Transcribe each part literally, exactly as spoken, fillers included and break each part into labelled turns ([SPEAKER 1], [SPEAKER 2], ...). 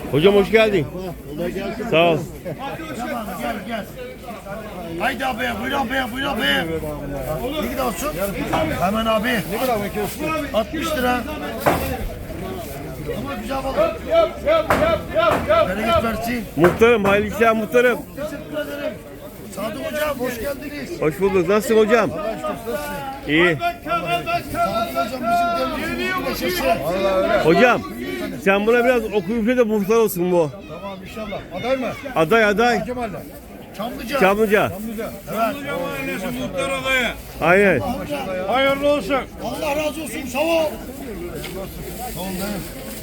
[SPEAKER 1] Hocam hoş geldin. Sağ ol.
[SPEAKER 2] Gel gel. Haydi abi, buyur abi, buyur abi. Ne kadar olsun? Hemen abi. Ne kadar bakıyorsun? altmış lira. Ama güzel balık.
[SPEAKER 3] Yap yap yap yap yap.
[SPEAKER 2] Bereket versin.
[SPEAKER 1] Muhtarım, hayırlı işler muhtarım.
[SPEAKER 2] Teşekkür ederim. Sadık hocam hoş geldiniz.
[SPEAKER 1] Hoş bulduk. Nasılsın hocam? İyi.
[SPEAKER 2] Sadık hocam bizim devletimizin leşesi.
[SPEAKER 1] Hocam, sen buna biraz okuyup de muhtar olsun bu.
[SPEAKER 2] Tamam inşallah. Aday mı?
[SPEAKER 1] Aday aday.
[SPEAKER 2] Kemal'le. Çamlıca.
[SPEAKER 1] Çamlıca.
[SPEAKER 2] Evet.
[SPEAKER 3] Muhtar adayı.
[SPEAKER 1] Aynen.
[SPEAKER 3] Hayırlı olsun.
[SPEAKER 2] Allah razı olsun. Sağ ol. Sağ ol dayım.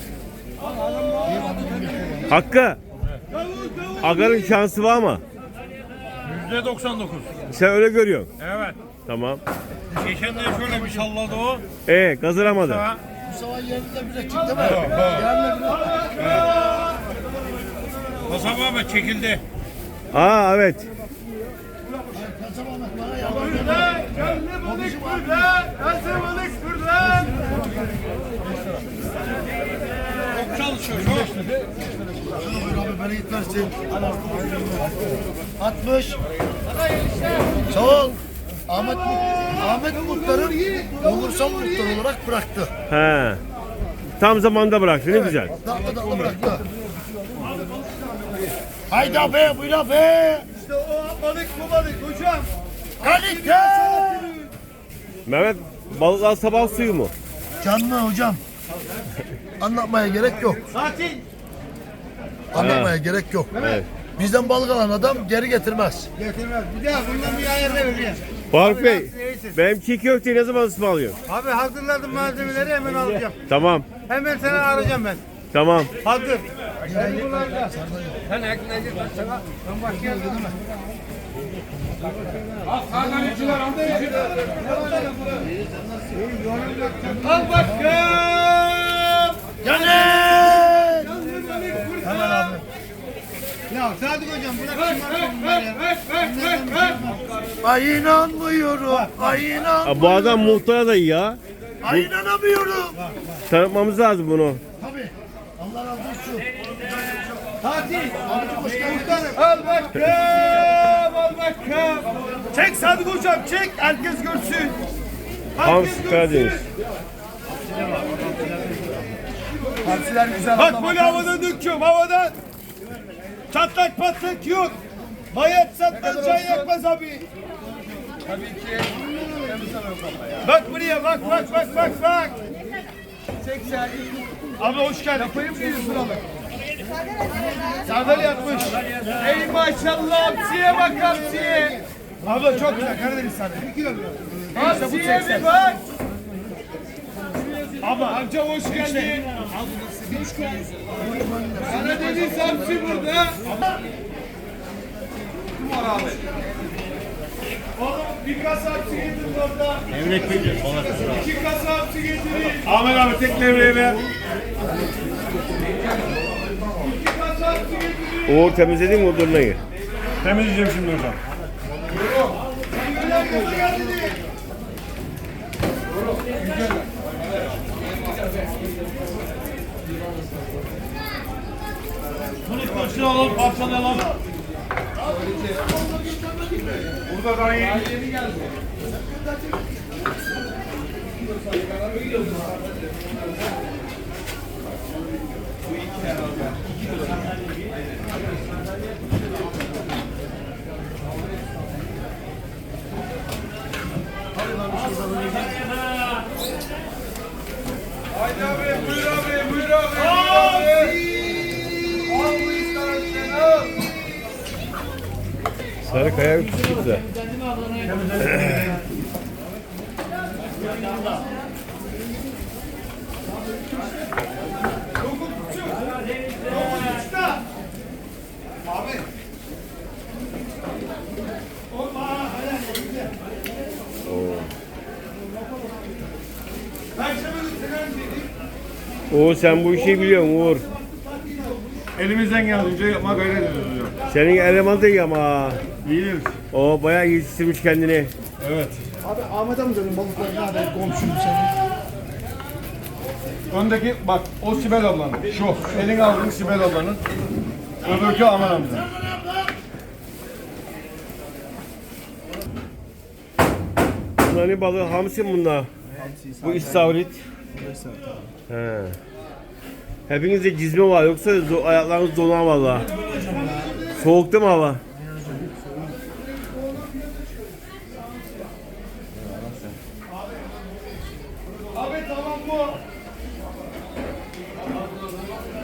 [SPEAKER 1] Hakkı. Agar'ın şansı var mı?
[SPEAKER 3] yüzde doksan dokuz.
[SPEAKER 1] Sen öyle görüyorsun.
[SPEAKER 3] Evet.
[SPEAKER 1] Tamam.
[SPEAKER 3] Geçen de şöyle bir salladı o.
[SPEAKER 1] Ee, kazanamadı.
[SPEAKER 3] Ha.
[SPEAKER 2] Mustafa yerinde bir ekip değil mi? Yerinde bir
[SPEAKER 3] Kasap Ahmet çekildi.
[SPEAKER 1] Aa evet.
[SPEAKER 2] Kasap Ahmet bana yardım
[SPEAKER 3] Canlı balık burada. Kasap balık burada. Çok çalışıyor. Çok.
[SPEAKER 2] Buyur abi bereket versin. altmış. Sağ ol. Ahmet Ahmet Muhtar'ın olursal muhtar olarak bıraktı.
[SPEAKER 1] He. Tam zamanda bıraktı. Ne güzel.
[SPEAKER 2] Dakika dakika bıraktı. Haydi abi buyur abi.
[SPEAKER 3] İşte o balık bu balık hocam.
[SPEAKER 2] Kalite.
[SPEAKER 1] Mehmet, balıklar sabah suyu mu?
[SPEAKER 2] Canlı hocam. Anlatmaya gerek yok.
[SPEAKER 3] Sakin.
[SPEAKER 2] Anlatmaya gerek yok.
[SPEAKER 1] Evet.
[SPEAKER 2] Bizden balık alan adam geri getirmez.
[SPEAKER 3] Getirmez. Bir daha bundan bir ayarla veriyor.
[SPEAKER 1] Faruk Bey, benim çiğ köfteyi ne zaman ısmarlıyorsun?
[SPEAKER 3] Abi hazırladım malzemeleri hemen alacağım.
[SPEAKER 1] Tamam.
[SPEAKER 3] Hemen seni arayacağım ben.
[SPEAKER 1] Tamam.
[SPEAKER 3] Hazır. Sen bunlarda. Sen aklına gir bak sana. Ben başlayalım değil mi? Al sağdan içiler, al da içiler. Al başkanım.
[SPEAKER 2] Gelin. Hemen abi.
[SPEAKER 3] Ya Sadık hocam bırak şımartma ya.
[SPEAKER 2] Ay inanmıyorum. Ay inan.
[SPEAKER 1] Aa, bu adam muhtar adayı ya.
[SPEAKER 2] Ay inanamıyorum.
[SPEAKER 1] Tanıtmamız lazım bunu.
[SPEAKER 2] Tabii. Allah razı olsun.
[SPEAKER 3] Fatih.
[SPEAKER 2] Abicim hoş geldin.
[SPEAKER 3] Al bakalım, al bakalım. Çek Sadık hocam, çek. Herkes görsün.
[SPEAKER 1] Hans Karadeniz.
[SPEAKER 2] Hamsiler güzel.
[SPEAKER 3] Bak böyle havadan döküyorum, havadan. Çatlak patlak yok. Bayat sattan can yakmaz abi. Tabii ki. Bak buraya, bak, bak, bak, bak, bak. seksen. Abi hoş geldin. Yapayım mı yüz liralık? Sardalya yatmış. Ey maşallah hamsiye bak hamsiye. Abla çok güzel Karadeniz sardalya. Hamsiye bir bak. Abla amca hoş geldin. Karadeniz hamsi burada. Kim var abi? Oğlum bir kasa hamsi getirin orada.
[SPEAKER 1] Emret Bey.
[SPEAKER 3] İki kasa hamsi getirin.
[SPEAKER 1] Ahmet abi tek levreyi ver.
[SPEAKER 3] İki kasa hamsi getirin.
[SPEAKER 1] Uğur temizledin mi o durnayı?
[SPEAKER 3] Temizleyeceğim şimdi hocam. Bunu koşuna alalım, parçalayalım. Burada da iyi. Haydi abi, buyur abi, buyur abi. Abi!
[SPEAKER 1] Sarıkaya üç çıktı.
[SPEAKER 3] Abi.
[SPEAKER 1] Uğur sen bu işi biliyorsun Uğur.
[SPEAKER 3] Elimizden geldiğince yapma gayret ediyoruz hocam.
[SPEAKER 1] Senin eleman da iyi ama.
[SPEAKER 3] İyiyiz.
[SPEAKER 1] O bayağı yetiştirmiş kendini.
[SPEAKER 3] Evet.
[SPEAKER 2] Abi Ahmet amcanın balıklarını hadi komşum senin.
[SPEAKER 3] Öndeki bak o Sibel ablanın. Şu. Elini aldığın Sibel ablanın. Öbürkü Aman amca.
[SPEAKER 1] Bunlar ne balığı? Hamsi mi bunlar? Bu istavrit. He. Hepinizde cizme var yoksa zo- ayaklarınız donar valla. Soğuk değil mi hava?